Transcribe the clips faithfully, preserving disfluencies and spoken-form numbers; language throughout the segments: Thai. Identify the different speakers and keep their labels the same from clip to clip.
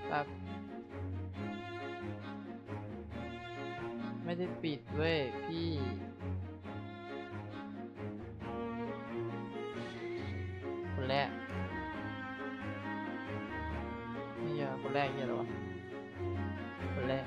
Speaker 1: แบบไม่ได้ปิดเว้ยพี่คนแรกนี่อะคนแรกเนี่ยเหรอวะคนแรก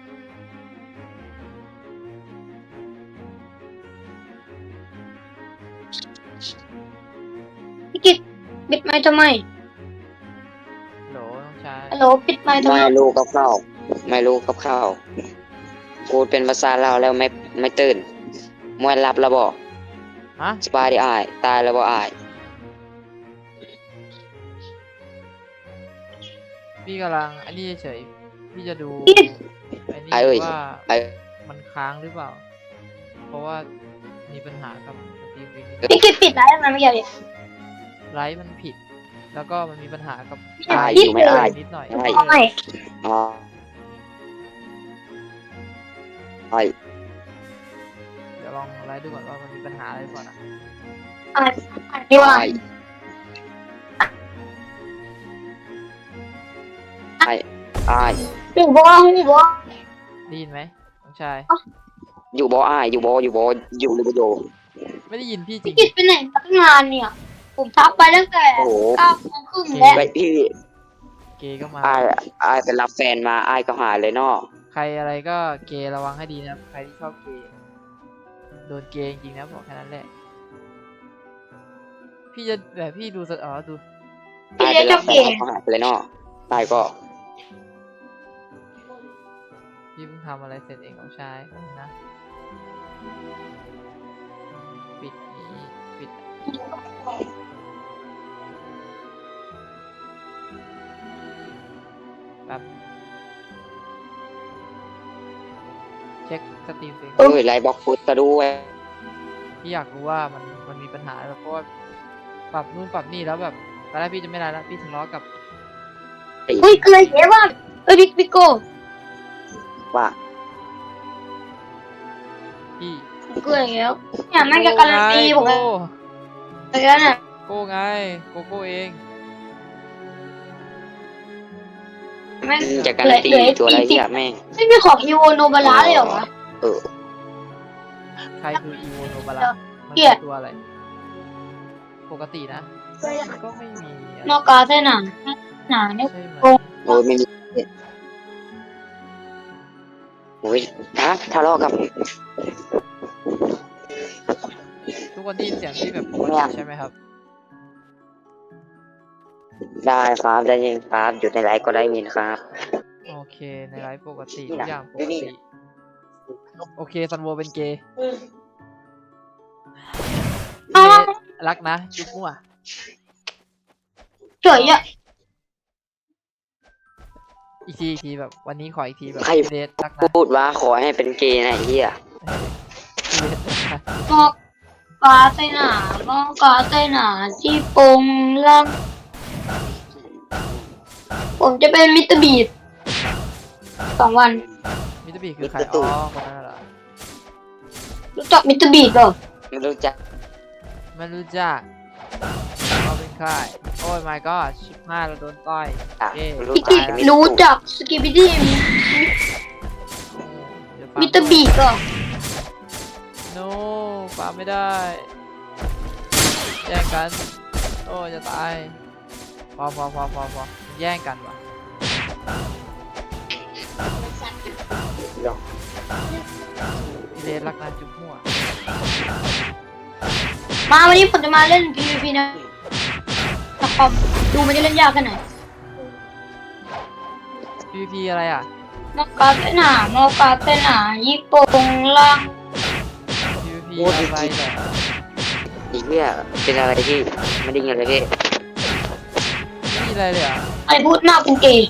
Speaker 2: พี่กิตปิดไมค์ทำไม
Speaker 1: โหลน้องชาย
Speaker 2: ฮัลโหลปิดไมค์ทำไม
Speaker 3: ไม่รู้กับข้าวไม่รู้กับข้าวกูเป็นภาษาลาวแล้วไม่ไม่ตื่นมวยรับแล้วบอก
Speaker 1: ฮะ
Speaker 3: สบายดีอายตายแล้วบ่อาย
Speaker 1: พี่กำลังอันนี้เฉยพี่จะดูไอ้นี่
Speaker 3: ไอ้เอ้ย
Speaker 1: ว่า
Speaker 3: ไอ้
Speaker 1: มันค้างหรือเปล่าเพราะว่ามีปัญหากับสตรีมวิ่ง
Speaker 2: พี่กิตปิดไลฟ์ทำไมไม่เกี่ยวดิ
Speaker 1: ไลฟ์มันผิดแล้วก็มันมีปัญหากับ
Speaker 3: อาย
Speaker 2: พี่
Speaker 3: อยู่ไม่อาย
Speaker 1: นิดหน่อย
Speaker 3: ใช่
Speaker 2: ไม่
Speaker 3: อ๋อไอ้
Speaker 1: เดี๋ยวลองไลฟ์ดูก่อนว่ามันมีปัญหาอะไรก่อนนะ
Speaker 2: อ่านอ่านดีว่า
Speaker 3: ไอ้ไอ้
Speaker 2: พี่บอกพี่บอก
Speaker 1: ได้ยินไหมน้องชาย
Speaker 3: อยู่บ่อายอยู่บ่อยู่บ่อยู่หรือบ่อยู่
Speaker 1: ไม่ได้ยินพี่จริ
Speaker 2: พี่
Speaker 1: ง
Speaker 2: กิตไปไหนมาตั้งนานเนี่ย ผมทักไปตั้งแต่
Speaker 3: โอ้โห
Speaker 2: เก้าโมงครึ่งแล้ว
Speaker 3: ไปพี่
Speaker 1: เกย์ก็มา
Speaker 3: อายอายไปรับแฟนมาอายก็หายเลยเนาะ
Speaker 1: ใครอะไรก็เกย์ระวังให้ดีนะครับใครที่ชอบเกย์โดนเกย์จริงๆนะบอกแค่นั้นแหละพี่จะแบบพี่ดูสดอ๋อดู
Speaker 2: พี่
Speaker 3: อาย
Speaker 2: เลี้
Speaker 3: ไป
Speaker 2: ยง
Speaker 3: รั
Speaker 2: เจ้า
Speaker 3: บแฟ
Speaker 2: เก๋
Speaker 3: นก็หายไปเลยเนาะตายก็
Speaker 1: พี่เพิ่งทำอะไรเสร็จเองน้องชายแป๊บนึงนะปิดนี้ปิดแบบเช็คสตรีมเอง
Speaker 3: เอ้ยไลน์บล็อกฟุตซะด้วย
Speaker 1: พี่อยากรู้ว่ามันมันมีปัญหาแบบเพราะว่าปรับนู่นปรับนี่แล้วแบบตอนแรกพี่จะไม่ได้แล้วพี่ทะเลาะกับ
Speaker 2: เฮ้ยอะไรเก๋บ้างเอ้ยบิ๊กบิ๊กโก้
Speaker 3: ว่า
Speaker 1: พี่
Speaker 2: เกลือแล้วเนี่ยแม่งจะการันตีผม
Speaker 1: โก
Speaker 2: เลยแล้วเนี่ย
Speaker 1: โก้ไงโกโก้เอง
Speaker 2: แม่ง
Speaker 3: จะการันตีตัวอะไรเนี่ยแม่ง
Speaker 2: ไม่มีของอีโวโนบาร่าเลยเหรอวะ
Speaker 3: เออ
Speaker 1: ใครคืออีโวโนบาระมัน
Speaker 2: เกลียด
Speaker 1: คือตัวอะไร ปกตินะก็ไม่มีอะไร
Speaker 2: นอกกาเส้นหนาหนาเนี่ย
Speaker 1: ใช่ไหม
Speaker 3: โอ้ยไม่มีโอ้ยฮะทะเลาะกับ
Speaker 1: ทุกคนได้ยินเสียงที่แบบปก
Speaker 3: ไม่
Speaker 1: ติ
Speaker 3: อยาก
Speaker 1: ใช่ไหมครับ
Speaker 3: ได้ครับได้ยินครับอยู่ในไลฟ์ก็ได้ยินครับ
Speaker 1: โอเคในไลฟ์ปกติ
Speaker 3: นี่
Speaker 1: ทุก
Speaker 3: นะ
Speaker 1: อย่างป
Speaker 3: ดู
Speaker 1: ก
Speaker 3: นี่
Speaker 1: ติโอเคซันโวเป็นเกย์
Speaker 2: อ้าว
Speaker 1: รักนะจุ๊บมั่ว
Speaker 2: เฉยอ่ะ
Speaker 1: อีกทีอีกทีแบบวันนี้ขออีกทีแบบ
Speaker 3: ใคร
Speaker 1: เดทรักนะ
Speaker 3: พูดว่าขอให้เป็นเกย์นะไอ้เหี้ย
Speaker 2: นอกกาเส้นหนานอกกาเส้นหนาที่โปงล่างผมจะเป็นมิสเตอร์บีดสองวัน
Speaker 1: มิสเตอร์บีคือใครอ๋อคนนั้นเหรอ
Speaker 2: รู้จักมิสเตอร์บีดเปล่า
Speaker 3: ไม่รู้จัก
Speaker 1: ไม่รู้จักเขาเป็นใครโอ้ย my god ชิบห้าเราโดนต่อย
Speaker 3: อ่ะ
Speaker 1: เอ๊ะ
Speaker 3: รู้
Speaker 2: พี่
Speaker 3: จั
Speaker 2: กิ
Speaker 3: ก
Speaker 2: ต
Speaker 3: มิ
Speaker 2: รู้จักสกิปปี้ดี้
Speaker 1: เดี๋ยวฟัง
Speaker 2: มิสเตอร์บีดเปล่า
Speaker 1: โน้ฟาร์มไม่ได้แย่งกันโอ้จะตายพอพอพอพอพอแย่งกันว่ะพี่เลนรักนะจุ๊บมั่ว
Speaker 2: มาวันนี้ผมจะมาเล่น พี วี พี นะแต่คอมดูมันจะเล่นยากแค่ไหน
Speaker 1: พีพีอะไรอ่ะ
Speaker 2: นอกกาเส้นหนานอกกาเส้นหนายี่โปงล่าง
Speaker 1: พีพีอะไรเหรอ
Speaker 3: ไอ้เหี้ยเป็นอะไรที่ไม่ได้เงินเลยพี่
Speaker 1: ไม่มีอะไรเลยเหรอ่ะ
Speaker 2: ไอ้พูดหน้าเป็นเกย์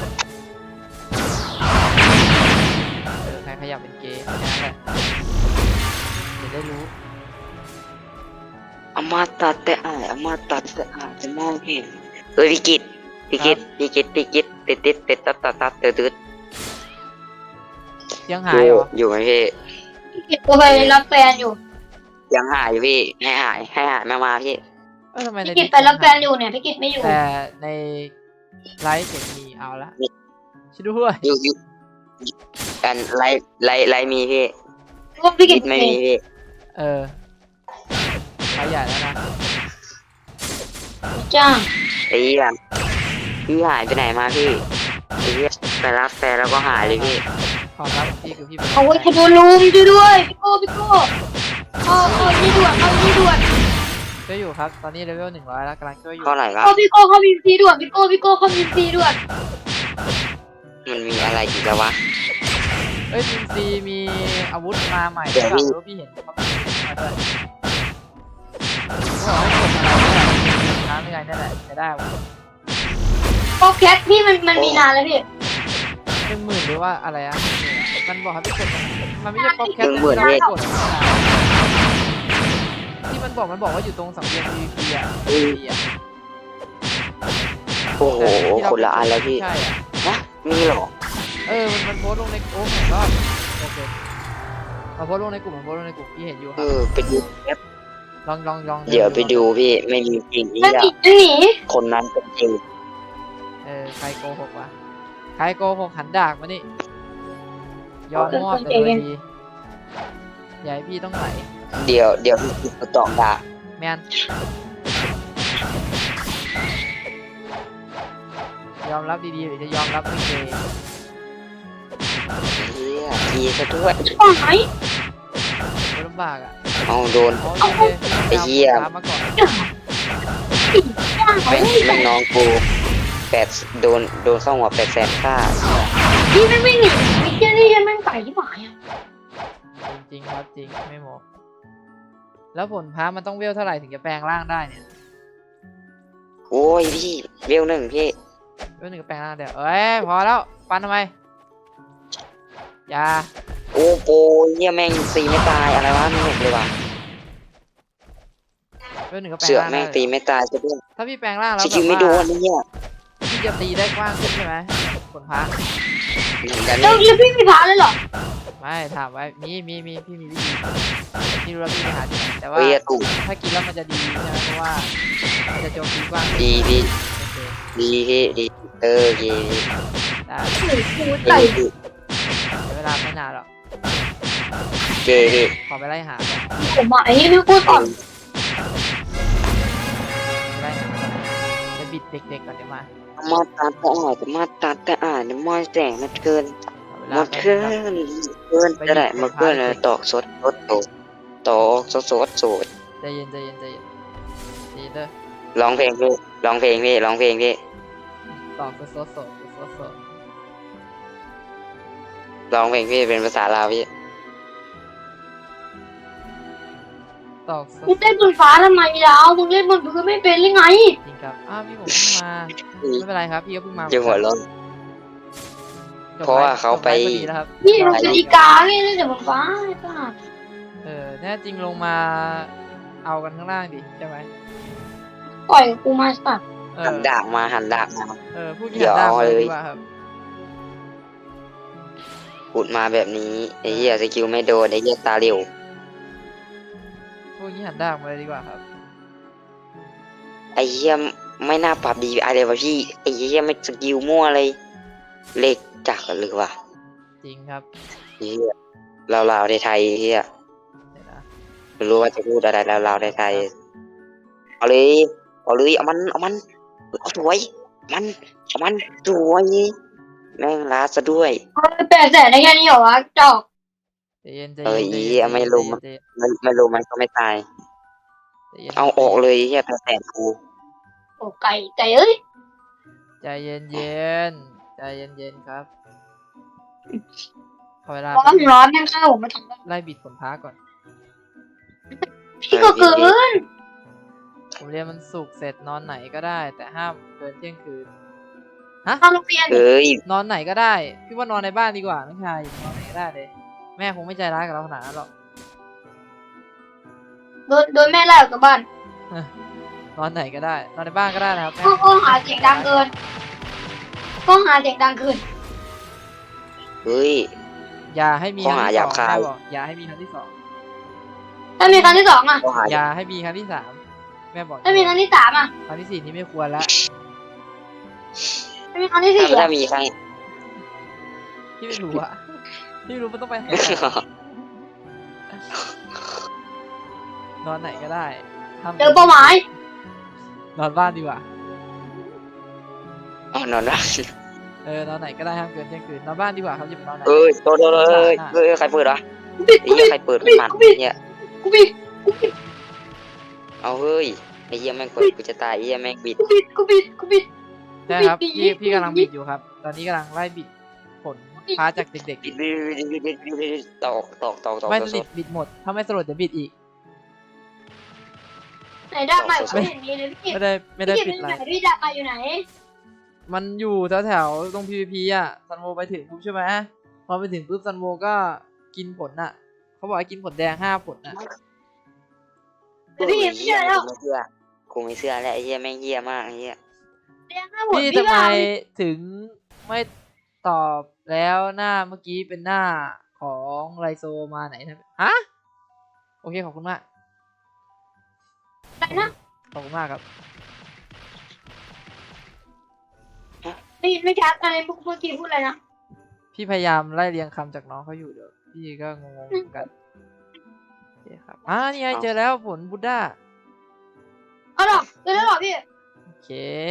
Speaker 1: เออใครขยับเป็นเกย์แค่นั้นแหละจะได้รู้
Speaker 3: อมาตัดแต่อายอมาตัดแต่อายจะมองเห็นเฮ้ยพี่กิตพี่กิตพี่กิตพี่กิตติดติดติดตัดตัดตัดตืดตืด
Speaker 1: ยังหายเหรอ
Speaker 3: อยู่ไหมพี่
Speaker 2: พี่กิตก็ไปรับแฟนอยู่
Speaker 3: ยังหายอยู่พี่ให้หายให้หายมามาพี่
Speaker 1: เออทำไมใน
Speaker 2: พี่กิตไปรับแฟนอยู่เนี่ยพี่กิตไม่อยู่
Speaker 1: แต่ในไลฟ์เสียงมีเอาละช่วยด้วย
Speaker 3: อยู่อยู่อันไลฟ์ไลฟ์ไลฟ์มีพี่
Speaker 2: พวกพี่เก็
Speaker 3: คิ
Speaker 2: บ
Speaker 3: ดไม่มีพี่
Speaker 1: เออไปใหญ่แล้วนะ
Speaker 2: จ้าง
Speaker 3: ไอ้เหี้ยพี่หายไปไหนมาพี่ไอ้เหี้ยไปรับแฟนแล้วก็หายเลยพี่
Speaker 1: ความลับของพี่คือพี่เป็น
Speaker 2: เอาไว้ขโดนลุมช่วยด้วยพี่โก้พี่โก้เอาเอานี่ด่วนเอานี่ด่วน
Speaker 1: ช่วยอยู่ครับตอนนี้เลเวลหนึ่งร้อยแล้วกำลังช่วยอยู่
Speaker 3: เท่าไหร่วะ
Speaker 2: เอาพี่โก้เข้าบีซีด่วนพี่โก้พี่โก้เข้าบีซีด่วน
Speaker 3: มันมีอะไรอีกแล้ววะ
Speaker 1: เอ้ยทีมซีมีอาวุธมาใหม่
Speaker 3: เดี๋
Speaker 1: หรื
Speaker 3: ย
Speaker 1: อ
Speaker 3: ว
Speaker 1: เปล่า
Speaker 3: พี่
Speaker 1: รู้พี่เห็นเขามาด้วยเขาบอกให้กดอะไรเนี่ยค้างยังไงนั่นแหละจะได้อาวุธ
Speaker 2: โป๊กแคทพี่มันมันมีนานแล้วพี่
Speaker 1: หนึ่งหมื่นหรือว่าอะไรอะมันบอกให้ไปกดมันไม่ใช่ป๊อปแคท
Speaker 3: หนึ่งหมื่น
Speaker 1: ที่
Speaker 3: เว้ย
Speaker 1: เรากดที่มันบอกมันบอกว่าอยู่ตรงสังเวียน พี วี พี อ่ะ
Speaker 3: เฮ้ย
Speaker 1: พี อ่ะ
Speaker 3: โอ้โห
Speaker 1: ที่เรา
Speaker 3: คนละอันแล้วพี่
Speaker 1: ใช่อ่ะ
Speaker 3: นะมีเหรอ
Speaker 1: เออมันมันโพสต์ลงในกลุ่มก็โอเคมาโพสต์ลงในกลุ่มมาโพสต์ลงในกลุ่มพี่เห็นอยู่ค
Speaker 3: เอ
Speaker 1: รับ
Speaker 3: อไปดูแอป
Speaker 1: ลองลองลอง
Speaker 3: เดี๋ยวไปดูพี่ไม่มีจริงนี่
Speaker 2: มัน
Speaker 3: อะ
Speaker 2: หนีมันหนี
Speaker 3: คนนั้นเป็นจริง
Speaker 1: เออใครโกหกวะใครโกหกหันดากมานี่ยอมมอบแต่โดยดีอย่าให้พี่ต้องไหล
Speaker 3: เดี๋ยวเดี๋ยวพี่จะตอบด่า
Speaker 1: แมนยอมรับดีๆหรือจะยอมรับไม่เคย
Speaker 3: เฮียทีซะด้วย
Speaker 2: โอ้ย
Speaker 1: ไม่ลำบากอ่ะ
Speaker 3: เอาโดน
Speaker 1: โอเค
Speaker 3: ไอ้เหี้ย
Speaker 1: ตามมาก่อน
Speaker 2: จ้าง
Speaker 3: ไม่ไม่น้องกูแปดโดนโดนเข้าหัวแปดแสนค่า
Speaker 2: พี่ไม่ไม่หนีไอ้เจ้านี่ยังแม่งไก่ที่หมายอ่ะ
Speaker 1: จริงๆครับจริงไม่โมแล้วผลพ้ามันต้องเวลเท่าไหร่ถึงจะแปลงร่างได้เนี่ย
Speaker 3: โอ้ยพี่เวลหนึ่งพี่
Speaker 1: เวลหนึ่งก็แปลงร่างเดี๋ยวเอ้ยพอแล้วปันทำไมอย่า
Speaker 3: โอ้โหเฮียแม่งตีไม่ตายอะไรวะไม่เห็นเลยว่ะ
Speaker 1: เวลหนึ่งก็แปลง
Speaker 3: เสือก
Speaker 1: ร่าง
Speaker 3: แม่
Speaker 1: ได้
Speaker 3: งตีไม่ตายซะด้วย
Speaker 1: ถ้าพี่แปลงร่างแล้ว
Speaker 3: ส
Speaker 1: แบ
Speaker 3: กิล
Speaker 1: บ
Speaker 3: ไม่โด
Speaker 1: ว่าน
Speaker 3: นี่เนี่ย
Speaker 1: พี่จะตีได้กว้างขึ้นใช่ไหมผลพ้า
Speaker 3: เหมือนกัน
Speaker 2: แล้ว
Speaker 3: นี่
Speaker 2: แล้วพี่มีพาเลยเหรอ
Speaker 1: ไม่ถามไว้มีมีมีพี่มีวิธีที่รู้แล้วพี่ไปหาที่ไหนแต่ว่า
Speaker 3: เฮียถูก
Speaker 1: ถ้ากินแล้วมันจะดีใช่ไหมเพราะว่ามันจะโจมตีกว้างขึ้น
Speaker 3: ดีดี
Speaker 1: โอเค
Speaker 3: ดีพี่ดีเออดีดี
Speaker 1: ได้
Speaker 2: โอ้โห
Speaker 3: ดี
Speaker 2: ไก่
Speaker 3: ดี
Speaker 1: เดี๋ยวเวลาไม่นานหรอก
Speaker 3: ดีดี
Speaker 1: ขอไปไล่หาก่อน
Speaker 2: ผมอ่ะไอ้นี่พี่โก้สอน
Speaker 1: ไปไล่หาก่อนจะบิดเด็กๆก่อนเดี๋ยวมา
Speaker 3: มาตัดแต่อ่านมาตัดแต่อ่านเนี่ยมาแสงมันเกิน
Speaker 1: ขอเว
Speaker 3: ห
Speaker 1: ลาม
Speaker 3: ด
Speaker 1: แป๊บ
Speaker 3: เกิ
Speaker 1: นึงครับ
Speaker 3: นเกินจะได้มาเกินเลยตอกสดสดโตตอกสดสดสด
Speaker 1: ใจเย็นใจเย็นใจเย็นใจเย็นเด้อ
Speaker 3: ร้องเพลงพี่ร้องเพลงพี่ร้องเพลงพี่
Speaker 1: ตอกโซโซโซโซโซ
Speaker 3: ร้องเพลงพี่เป็นภาษาลาวพี่
Speaker 1: ตอกโซ
Speaker 2: มึงเล่นบนฟ้าทำไมดาวมึงเล่นบนพื้นไม่เป็นหรือไง
Speaker 1: จริงครับอ้าวพี่ผมเพิ่งมาไม่เป็นไรครับพี่ก็เพิ่งมา
Speaker 3: จะหัวร้อน
Speaker 1: จบ
Speaker 3: เพราะว่าเขาไป
Speaker 1: จบลฟ์พอดีแล้วครับ
Speaker 2: นี่มันเป็นอีกาไงเล่นแต่บนฟ้าไอ้ป้า
Speaker 1: เออแน่จริงลงมาเอากันข้างล่างดิใช่ไหม
Speaker 2: ปล่อยกูมาสัตว์
Speaker 1: เอ
Speaker 3: หั
Speaker 1: อน
Speaker 3: ดาบมาหันดาบมา
Speaker 1: เออพูด
Speaker 3: เดี๋
Speaker 1: กี่
Speaker 3: ยว
Speaker 1: หันดาบ
Speaker 3: เอา
Speaker 1: เลย
Speaker 3: เลย
Speaker 1: ดีกว่าครับ
Speaker 3: พูดมาแบบนี้ไอ้เหี้ยสกิลไม่โดนไอ้เหี้ยตาเหลว
Speaker 1: พูดกี่หันดาบมาเลยดีกว่าครับ
Speaker 3: ไอ้เหี้ยไม่น่าปรับดีอะไรวะพี่ไอ้เหี้ยไม่สกิลมั่วเลยเล็กจักกันเลยว่ะ
Speaker 1: จริงครับ
Speaker 3: ไอ้เหี้ยเราเราในไทยไอ้เหี้ย
Speaker 1: เดี๋ยวนะ
Speaker 3: ไม่รู้ว่าจะพูดอะไรเราเราในไทยเอาเลยเอาเลยเอามันเอามันเอาสวยมันเอามันสวยแม่งลาซะด้วย
Speaker 2: แปดแสนได้แค่นี้เหรอวะจอก
Speaker 1: ใจเย็นใจ
Speaker 3: เออ
Speaker 1: เย็น
Speaker 3: อี
Speaker 1: ใจเย็น
Speaker 3: ไม่รู้
Speaker 1: ใจเย็น
Speaker 3: ไม่ไม่รู้มันก็ไม่ตาย
Speaker 1: ใจเย็น
Speaker 3: เอาออกเลยไอ้เหี้ยแปดแสนกู
Speaker 2: โอ้ไก่ไก่เอ้ย
Speaker 1: ใจเย็นเย็นใจเย็นเย็นครับขอเวลา
Speaker 2: ร้อนร้อนยังข้าวผมมาทำได้
Speaker 1: ไล่บิดผลพ้าก่อน
Speaker 2: พี่ก็เกิน
Speaker 1: ผมเรียนมันสุกร์เสร็จนอนไหนก็ได้ แต่ห้ามเกินเที่ยงคืน
Speaker 2: เข้าโรงเรียน
Speaker 3: เอ้ย
Speaker 1: นอนไหนก็ได้พี่ว่านอนในบ้านดีกว่าน้องชายนอนไหนก็ได้เลย แม่คงไม่ใจร้ายกับเราขนาดนั้นหรอก
Speaker 2: โดนโดนแม่ไล่ออกจากบ้าน
Speaker 1: นอนไหนก็ได้ นอนในบ้านก็ได้นะครับแม่
Speaker 2: ก็ก็หาเสียงดังเกินก็หาเสียงดังเกิน
Speaker 3: เฮ้ย
Speaker 1: อย่าให้มีค
Speaker 3: ข้อ
Speaker 1: รั้ง
Speaker 3: หา
Speaker 1: ที่
Speaker 3: ห
Speaker 1: ส
Speaker 3: ยา
Speaker 1: อบ ง
Speaker 3: คาย
Speaker 1: แม่บอกอย่าให้มีครั้งที่สอง
Speaker 2: ถ้ามีครั้งที่สองอ่ะ
Speaker 3: ข้อหา
Speaker 1: อย่าให้มีครั้งที่สามแม่บอก
Speaker 2: ถ้ามีครั้งที่สามอ่ะ
Speaker 1: ครั้งที่สี่นี่ไม่ควรละ
Speaker 2: ถ้ามีครั้งที่สี่
Speaker 3: ถ้า
Speaker 2: อ่ะ
Speaker 3: มีครั้ง
Speaker 1: พี่ไม่รู้อะพี่ไม่รู้มันต้องไปไหนนอนไหนก็ได้ห้าม
Speaker 2: เจอเป้าหมาย
Speaker 1: นอนบ้านดีกว่า
Speaker 3: อ๋อนอนได้
Speaker 1: เออนอนไหนก็ได้ห้ามเกินเที่ยงคืนนอนบ้านดีกว่าครับอย่าไปนอนไหน
Speaker 3: เอ้ยโดนโดนเอ้ยเอ้ยใครเปิดวะ
Speaker 2: กูปิด
Speaker 3: ไอ้
Speaker 2: กู
Speaker 3: เหี้
Speaker 2: ปิ
Speaker 3: ย
Speaker 2: ด
Speaker 3: ใครเปิด
Speaker 2: กู
Speaker 3: ขึ้
Speaker 2: ปิ
Speaker 3: น
Speaker 2: ด
Speaker 3: มา
Speaker 2: กูปิด
Speaker 3: เนี่ย
Speaker 2: กูปิดกูปิด
Speaker 3: เอาเฮ้ยไอ้เหี้ยแม่งเปิดกูจะตายไอ้เหี้ยแม่งบิด
Speaker 2: กูปิดกูปิดกูปิด
Speaker 1: ใช่ครับพี่พี่กำลังบิดอยู่ครับ ตอนนี้กำลังไล่บิดผลพาจากเด็ก
Speaker 3: บิดบิดบิดบิดบิดบิดบิดตอกตอกตอกตอ
Speaker 1: ๆ
Speaker 3: ก
Speaker 1: ไม่
Speaker 3: ต
Speaker 1: ส
Speaker 3: อก
Speaker 1: นิทบิดหมดถ้าไม่สลดเดี๋ยวบิดอีก
Speaker 2: ไหนดาบใหม่ไม่เห็นมีเลยพี่
Speaker 1: ไม่ได้ไม่ได้
Speaker 2: พี่
Speaker 1: ปิ
Speaker 2: เป็
Speaker 1: ด
Speaker 2: น
Speaker 1: อะไร
Speaker 2: ไหนพี่ดาบใหม่อยู่ไหน
Speaker 1: มันอยู่แถวๆตรง พี วี พี อ่ะซันโวไปถึงปุ๊บใช่ไหมพอไปถึงปุ๊บซันโวก็กินผลอ่ะเขาบอกให้กินผลแดงห้าผลอ่ะ
Speaker 2: แต่พี่ไม่เจอแล้ว
Speaker 3: กูไม่เชื่อกูไม่เชื่อแล้วไอ้เหี้ยแม่งเหี้ยมากไอ้เหี้ย
Speaker 2: เรียงห้าหมด
Speaker 1: พี่
Speaker 2: พี่
Speaker 1: ทำไม
Speaker 2: ว่า
Speaker 1: ถึงไม่ตอบแล้วหน้าเมื่อกี้เป็นหน้าของไรโซมาไหนนะฮะโอเคขอบคุณมาก
Speaker 2: อะไรนะ
Speaker 1: ขอบคุณมากครับ
Speaker 2: ได้ยินไม่ชัดอะไรเมื่อกี้พูดอะไรนะ
Speaker 1: พี่พยายามไล่เรียงคำจากน้องเขาอยู่เดี๋ยวพี่ก็งงๆเหมือนกันโอเคครับอ่านี่ไงเจอแล้วผลบุดด้า
Speaker 2: เอาหรอเจอแล้วหรอพี่
Speaker 1: โอเค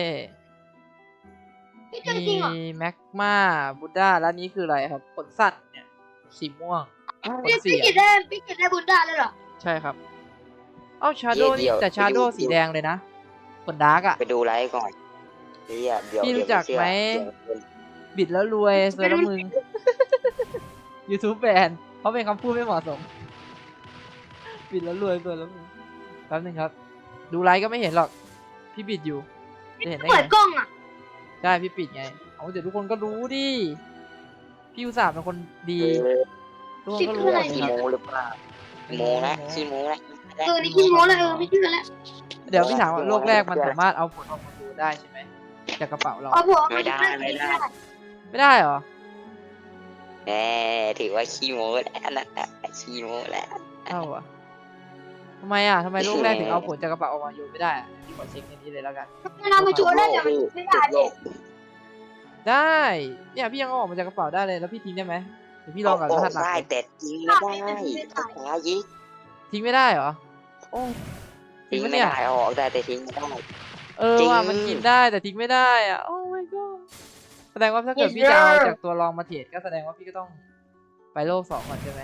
Speaker 2: พี่เจอจริงเหรอ
Speaker 1: มีแม็กมาบุดด้าแล้วนี้คืออะไรครับผลสัตว์เนี่ยสีม่วงผล
Speaker 2: พี่
Speaker 1: เสี
Speaker 2: พี่
Speaker 1: ย
Speaker 2: กิดได้พี่กิดได้บุญได้เลยเหรอ
Speaker 1: ใช่ครับเอ้าชาโดนี่แต่ชาโดสีแดงเลยนะผลดาร์กอะ
Speaker 3: ไปดูไลฟ์ก่อนไอ้เหี้ยเดี๋ยว
Speaker 1: พี่รู้
Speaker 3: เดี๋ยว
Speaker 1: จักไหม
Speaker 3: เชื่อ
Speaker 1: บิดแล้วรวยเซอร์แล้วมึง YouTube แบนเพราะเป็นคำพูดไม่เหมาะสม บิดแล้วรวยเซอร์แล้วมึงแป๊บนึงครับ ดูไลฟ์ก็ไม่เห็นหรอก พี่บิดอยู่จะเห็นได้
Speaker 2: เปิ
Speaker 1: ไง
Speaker 2: ดกล้องอ่ะ
Speaker 1: ใช่พี่ปิดไงเอาเดี๋ยวทุกคนก็รู้ดิพี่อุตส่าห์เป็นคนดี
Speaker 3: เออ
Speaker 1: ทุกคนก็รู้หมด
Speaker 3: ขี้
Speaker 1: ครับ
Speaker 3: โม้หรือเปล่าขี้โม้นะขี้โม้นะ
Speaker 2: เออนี่ขี้โม้เลยเออไม่เชื่อแล้ว
Speaker 1: เดี๋ยวพี่ถามว่าโลกแรกมันสามารถเอาผลออกมาดูได้ใช่ไหมจากกระเป๋าเรา
Speaker 2: เอาผัว
Speaker 3: ไม่ได้ไม่ได้
Speaker 1: ไม่ได้เหรอ
Speaker 3: แหมถือว่าขี้โม้แล้วนะขี้โม้แล้ว
Speaker 1: เท่าอะทำไมอ่ะทำไมโลกแรกถึงเอาผลจากกระเป๋าออกมาโยนไม่ได้อะพี่ขอเช็คในนี้เลยแล้วกัน
Speaker 2: มันเอามาโชว์ได้แต่มันไม่ได้
Speaker 3: โล
Speaker 2: พี่
Speaker 3: ก
Speaker 1: ได้เนี่ยพี่ยังเอาออกมาจากกระเป๋าได้เลยแล้วพี่ทิ้งได้ไหมเดี๋ยวพี่ลองกับรหัสหลัก
Speaker 3: ได้
Speaker 1: เลย
Speaker 3: แต่จริงไม่ได้ภาษายิ
Speaker 1: ทิ้งไม่ได้เหรอโอ้ทิ้
Speaker 3: ทิ้
Speaker 1: ง
Speaker 3: ง
Speaker 1: ปะ
Speaker 3: ไม่
Speaker 1: เนี่ย
Speaker 3: ได้ออกได้แต่ทิ้งไม่ได้
Speaker 1: เออ
Speaker 3: จริง
Speaker 1: ว่ามันกินได้แต่ทิ้งไม่ได้อ่ะโอ้ my god แสดงว่าถ้าเกิดพี่จะเอาจากตัวรองมาเทรดก็แสดงว่าพี่ก็ต้องไปโลกสองก่อนใช่ไหม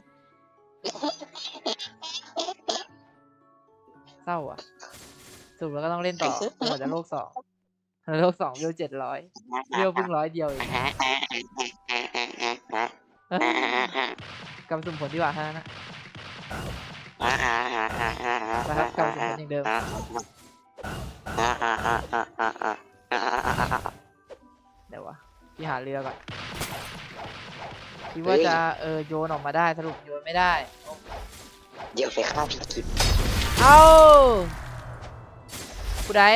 Speaker 1: เศร้าอ่ะสรุปแล้วก็ต้องเล่นต่อหมดจากโลกสองโลกสองเวลเจ็ดร้อยเวลเพิ่งร้อยเดียวเองกำสุ่มผลดีกว่าฮะนะนะครับกำสุ่มผลอย่างเดิมเดี๋ยววะพี่หาเรือก่อนคิดว่าจะเออโยนออกมาได้สรุปโยนไม่ได้
Speaker 3: เดี๋ยวไปฆ่าพี่กิจ
Speaker 1: เอ้าผู้ใด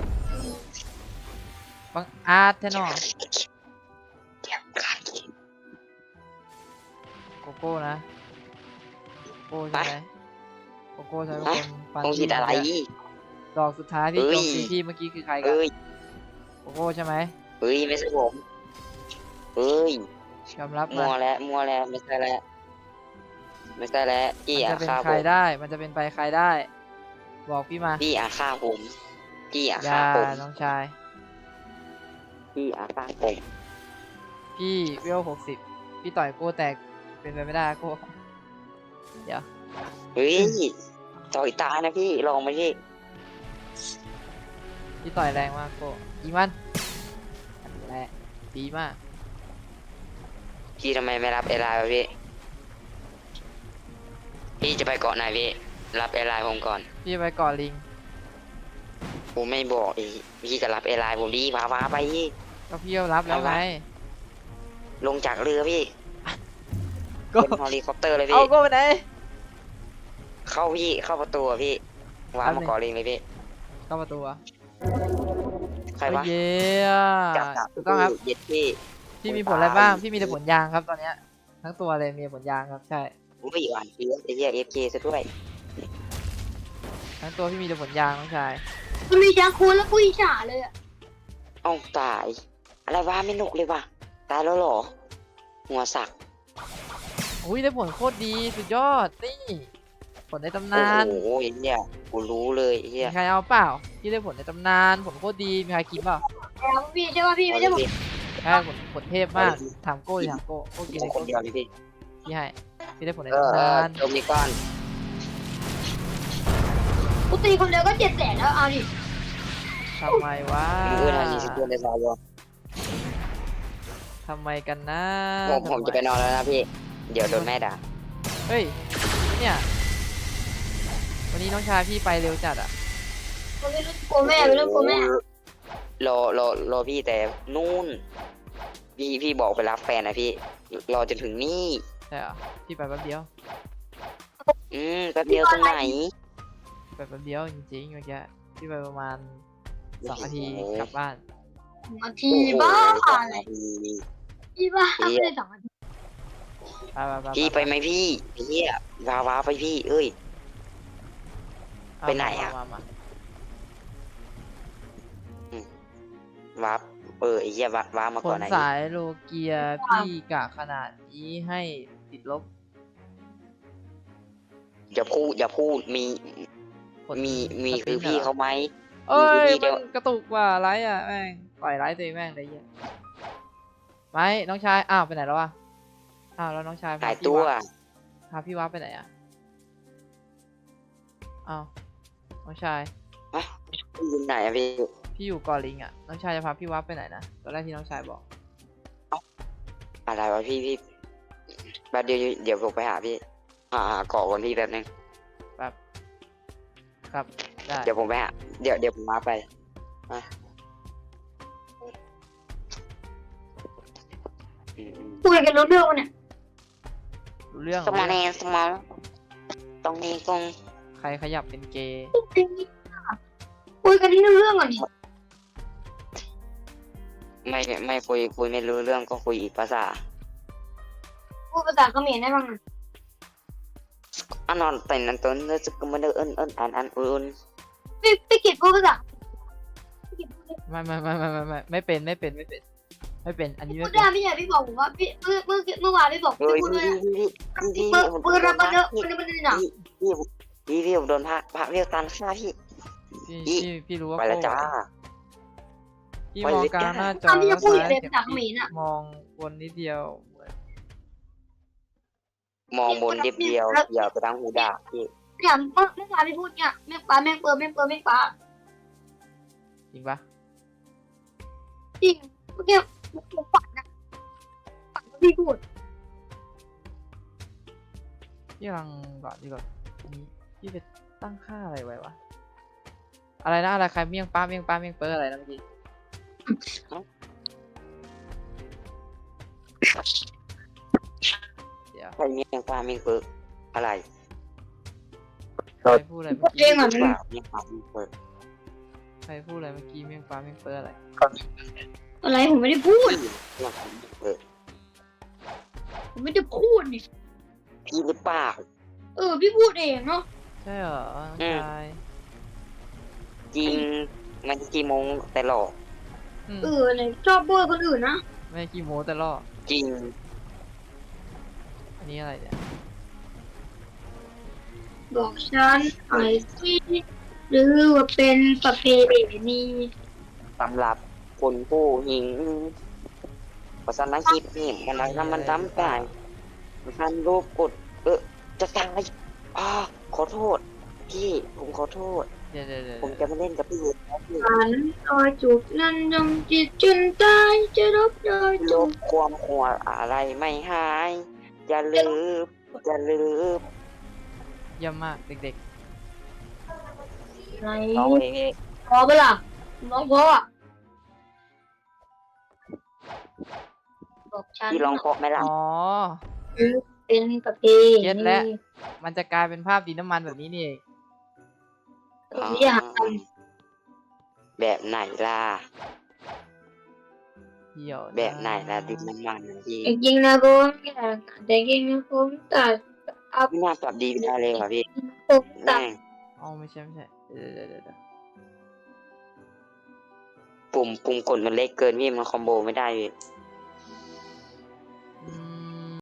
Speaker 1: บังอาจแท้หนอ
Speaker 3: เดี๋ยวฆ่ากิจ
Speaker 1: โกโก้นะโกโก้ใช่ไหมโกโก้ใช่เป็นคนปัน
Speaker 3: ต้องคิดอะไร
Speaker 1: ดอกสุดท้ายที่
Speaker 3: เอ้
Speaker 1: โจ
Speaker 3: ย
Speaker 1: มตีพี่เมื่อกี้คือใครกัน
Speaker 3: เอ้ย
Speaker 1: โกโก้ใช่ไหม
Speaker 3: เฮ้ยไม่ใช่ผมเฮ้ย
Speaker 1: ยอมรับ
Speaker 3: มั
Speaker 1: มาว
Speaker 3: แล้วมัวแล้วไม่ใช่แล้วไม่ใช่แล้วพี่
Speaker 1: มัน
Speaker 3: อ่ะ
Speaker 1: จะเป็น
Speaker 3: ฆ่า
Speaker 1: ใค
Speaker 3: ผ
Speaker 1: ร
Speaker 3: ม
Speaker 1: ได้ มันจะเป็นไปใครได้ บอกพี่มา
Speaker 3: พี่อ่ะฆ่าผมพี่อ่ะ
Speaker 1: อ
Speaker 3: ฆ่า
Speaker 1: ย่า
Speaker 3: ผม
Speaker 1: น้องชาย
Speaker 3: พี่อ่ะฆ่าผม
Speaker 1: พี่เวลหกสิบพี่ต่อยโก้แตกเป็นไปไม่ได้โก้เดี๋ยว
Speaker 3: เฮ้ยต่อยตานะพี่ลองมาพี่
Speaker 1: พี่ต่อยแรงมากโก้ยิงมันนั่นแหละดีมาก
Speaker 3: พี่ทำไมไม่รับเอไลน์วะพี่พี่จะไปเกาะไหนพี่รับเอไลน์ผมก่อน
Speaker 1: พี่ไปก่อนลิง
Speaker 3: ผมไม่บอกอีกพี่จะรับเอไลน์ผมดีว้าว้าไปพี่
Speaker 1: ก็พี่ก็รับแล้วไง
Speaker 3: ลงจากเรือพี่
Speaker 1: ก็
Speaker 3: เป็นเฮลิคอปเตอร์เลย
Speaker 1: เอา
Speaker 3: พี่
Speaker 1: โก้ไปไหน
Speaker 3: เข้าพี่เข้าประตูอะพี่ว้า
Speaker 1: แป๊บ
Speaker 3: มา
Speaker 1: นึง
Speaker 3: เกาะลิงเลยพี่
Speaker 1: เข้าประตูอะ
Speaker 3: ใครวะ
Speaker 1: เย้
Speaker 3: จับจับ
Speaker 1: ถูกต้องครับ
Speaker 3: เย็ดพี่
Speaker 1: พี่มีผลอะไรบ้าง พี่มีแต่ผลยางครับตอนเนี้ย ทั้งตัวเลยมีผลยางครับ ใช่
Speaker 3: อุ้ยหวานเฟี้ยวไอ้เหี้ยเอฟเคซะด้วย
Speaker 1: ทั้งตัวพี่มีแต่ผลยางน้องชาย
Speaker 2: มันมีช้างคูนแล้วกูอิจฉาเลยอ่ะ
Speaker 3: เอ้าตาย อะไรวะไม่หนุกเลยวะตายแล้วเหรอหัวสัก
Speaker 1: อุ้ยได้ผลโคตรดีสุดยอดนี่ผลในตำ
Speaker 3: โอ้
Speaker 1: นาน
Speaker 3: โหเนี่ยกูรู้เลยเฮี
Speaker 1: มี
Speaker 3: ย
Speaker 1: ใครเอาเปล่าที่ได้ผลในตำนานผลโคตรดีมีใครกินเปล่า
Speaker 2: แล้วพี่ใช่ป่ะพี่ไม่ใช่ผม
Speaker 1: ใช่ผลผลเทพมากถามโก้ดิถามโก้โก้กิน
Speaker 3: ข
Speaker 1: เล
Speaker 3: อง
Speaker 1: ย
Speaker 3: คน
Speaker 1: โก้
Speaker 3: เดียวนี่พี่
Speaker 1: พี่ให้พี่ได้ผลใน
Speaker 3: เออ
Speaker 1: ตำ
Speaker 3: เออน
Speaker 1: าน
Speaker 3: โดมิก้อน
Speaker 2: กูตีคนเดียวก็เจ็ดแสนแล้วเอาดิ
Speaker 1: ทำไมวะ
Speaker 3: มือทางยี่สิบเดือนในซอย
Speaker 1: ทำไมกันนะ
Speaker 3: ผมผมจะไปนอนแล้วนะพี่ เดี๋ยวโดนแม่ด่า
Speaker 1: เฮ้ยเนี่ยวันนี้น้องชายพี่ไปเร็วจัดอ่ะ
Speaker 2: มันไม่รู้กลัวแม่ไม่รู้กลัวแม่
Speaker 3: รอรอรอพี่แต่นู่น พี่พี่บอกไปรับแฟนนะพี่ รอจนถึงนี่
Speaker 1: ใช่เหรอพี่ไปแป๊บเดียว
Speaker 3: อืมแป๊บเดียวตรงไหน
Speaker 1: ไปแป๊บเดียวจริงๆเมื่อกี้พี่ไปประมาณสองนาทีกลับบ้าน
Speaker 2: นาทีบ้าอะไรพี่บ้าไม่ได้สองนาที
Speaker 1: ไปไปไป
Speaker 3: พี่ไปไหมพี่เฮียว้าวาไปพี่ เอ้ย
Speaker 1: เอา
Speaker 3: ไปไหนอะ
Speaker 1: มามามา
Speaker 3: วาร์ปเออไอ้เหี้ยวาร์ปวาร์ปมา
Speaker 1: ผ
Speaker 3: ก่อน
Speaker 1: ล
Speaker 3: ไหน
Speaker 1: สายโลเกียพี่กะขนาดนี้ให้ติดลบ
Speaker 3: อย่าพูดอย่าพูดมี
Speaker 1: ผล
Speaker 3: มีมี
Speaker 1: สปิ
Speaker 3: คื
Speaker 1: น
Speaker 3: อพี่
Speaker 1: หร
Speaker 3: เขาไหม
Speaker 1: เอ้ย
Speaker 3: มีคือพี่เดี
Speaker 1: มั
Speaker 3: ยว
Speaker 1: นกระตุกว่ะไลฟ์อ่ะแม่งปล่อยไลฟ์ตัวเองแม่งเลยเหี้ยไม่น้องชายอ้าวไปไหนแล้ววะอ้าวแล้วน้องชายพ
Speaker 3: หาย
Speaker 1: พี่
Speaker 3: ตัว
Speaker 1: ะพาพี่วับไปไหนอ่ะอ้าวน้องชาย
Speaker 3: พี่อยู่ไหนอะพี่
Speaker 1: พี่อยู่เกอลิงอ่ะน้องชายจะพาพี่วับไปไหนนะตอนแรกที่น้องชายบอก
Speaker 3: อะไรวะพี่พี่แป๊บเดียวเดี๋ยวผมไปหาพี่หาหาเกาะก่อนพี่แป๊บนึง
Speaker 1: แบบครับได้
Speaker 3: เดี๋ยวผมไปหาเดี๋ยวเดี๋ยวผมมาไปอ่ะอืมอืม
Speaker 2: คุยกันรู้เรื่องวะเนี่ย
Speaker 1: รู้เรื่อง
Speaker 3: สมอง
Speaker 1: รู้
Speaker 3: แน
Speaker 1: เรื่อง
Speaker 3: สมองตรงนี้ตรง
Speaker 1: ใครขยับเป็นเกย์
Speaker 2: คุยกันที่เรื่องก่อนดิ
Speaker 3: ไม่ไม่คุยคุยไม่รู้เรื่องก็คุยอีกภาษา
Speaker 2: พูดภาษาเขมรได้บ้างนะ
Speaker 3: อันนอนแต่นั้นต้นแล้วจะก็มาเดินเอินเอินอันอันอุ่น
Speaker 2: พี่พี่กิจพูดภาษาพี่กิจพูดได้
Speaker 1: ไม่ไม่ไม่ไม่ไม่ไม่ไม่เป็นไม่เป็นไม่เป็นไม่เป็นอันนี้
Speaker 2: พู
Speaker 1: ไม่
Speaker 2: ด
Speaker 1: เป็น
Speaker 2: ได้พี่ใหญ่พี่บอกผมว่าพี่เมื่อเมื่อเมื่อวานพี่บอก
Speaker 3: เฮ้
Speaker 2: พี่
Speaker 3: ย
Speaker 2: พูด
Speaker 3: พี่
Speaker 2: ด้วย
Speaker 3: พี่พี่พี่
Speaker 2: เมื่อ
Speaker 3: ผม
Speaker 2: เมื่อรับมาเยอะ
Speaker 3: พี่
Speaker 2: มันมันหนัก
Speaker 3: พี่พี่พี่ผมโดนพระพระเรียกตันฆ่าพี่
Speaker 1: พี่พี่พี่รู้ว่า
Speaker 3: ไปแล้วจ้า
Speaker 1: พี่
Speaker 3: ไป
Speaker 1: มอง
Speaker 3: เลย
Speaker 1: กลาง
Speaker 3: จ้า
Speaker 1: หน้าจอ
Speaker 2: ตอนที่จะพูดอยู่เลย
Speaker 1: ซ้
Speaker 2: ภาษาเขมรอ่ะ
Speaker 1: มองวนนิดเดียว
Speaker 3: มองบนเดียบเดียวอย่าไปทางหูด่าพี่
Speaker 2: เนี่ยเมื่อเมื่อวานพี่พูดเนี่ยแม่งปลาแม่งเปิดแม่งเปิดแม่งปลา
Speaker 1: จริงปะ
Speaker 2: จริงเมื่อกี้ผมฝันนะฝันว่าพี่พูด
Speaker 1: พี่กำลังก่อนดีกว่านี่พี่ไปตั้งค่าอะไรไว้วะอะไรนะอะไรใครเมี่ยงป้าเมี่ยงป้าเมี่ยงเปิ้ลอะไรนะเมื่อกี้เดี๋ยว
Speaker 3: ใครเมียงฟ้าเมียงเปิกอะไร
Speaker 1: ใครพูดอะไรเมื่อ
Speaker 2: เรื่
Speaker 1: กี้
Speaker 2: องอ่ะ
Speaker 3: เปล่าเมียงฟ้าเมียงเปิก
Speaker 1: ใครพูดอะไรเมื่อกี้เมี่ยงป้าเมี่ยงเปิ้ลอะไร
Speaker 2: อะไรผมไม่ได้พูด
Speaker 3: พี่เมียงฟ้าเมียงเปิก
Speaker 2: ผมไม่ได้พูดนี่
Speaker 3: พี่หรือเปล่า
Speaker 2: เออพี่พูดเองเนาะ
Speaker 1: ใช่เหรอน้อง
Speaker 3: อืม
Speaker 1: ชาย
Speaker 3: จริงมันกี่โมงแต่หลอก
Speaker 1: อืม
Speaker 2: เออเนี่ยชอบพูดคนอื่นนะ
Speaker 1: ไม่ขี้โม้แต่ล่อ
Speaker 3: จริง
Speaker 1: อันนี้อะไรเนี่ย
Speaker 2: บอกฉันหน่อยสิหรือว่าเป็นประเพณี
Speaker 3: สำหรับคนผู้หญิงภาษาอังกฤษนี่มันอะไรนะมันทำได้มันรูปกด เออจะตายอ่าขอโทษ พี่ผมขอโทษ
Speaker 1: เดี๋ยวเดี๋ยวเดี๋ยว
Speaker 3: ผมจะมาเล่นกับพี่นะพี่
Speaker 2: ฉันรอยจูบนั้นยงจิตจนตายจะรบรอย
Speaker 3: ล
Speaker 2: จูบบ
Speaker 3: ความหัวอะไรไม่หาย อย่าลืมอย่าลืม
Speaker 1: เยี่ยมมากเด็ก
Speaker 2: ไหน
Speaker 3: น้องเอง
Speaker 2: พอเปล่าน้องพออ่ะบอกฉัน
Speaker 3: พี่ลองเคาะไหม
Speaker 1: ๆ
Speaker 3: ล่ะ
Speaker 1: อ๋อ
Speaker 2: เป็นประเพ
Speaker 1: เก็ต
Speaker 2: ณี
Speaker 1: แล้ว มันจะกลายเป็นภาพดินน้ำมันแบบนี้นี่เอง
Speaker 2: อย่าท
Speaker 3: แบบไหนล่ะ
Speaker 1: เหี่ยวะ
Speaker 3: แบบไหนล่ะดิบน้ำมันนะพี่
Speaker 2: ำจริงๆนะผมอยากแต่จริงๆนะผมตัดอัพ
Speaker 3: ไม่น่าปรับดีไม่ได้เลยว่ะพี่
Speaker 2: ผมตัด
Speaker 3: แม่ง
Speaker 1: อ๋อไม่ใช่ไม่ใช่เดี๋ยวเดี๋ยวเดี๋ยวเดี๋ยว
Speaker 3: ปุ่มปุ่มกดมันเล็กเกินพี่มันคอมโบไม่ได้พี่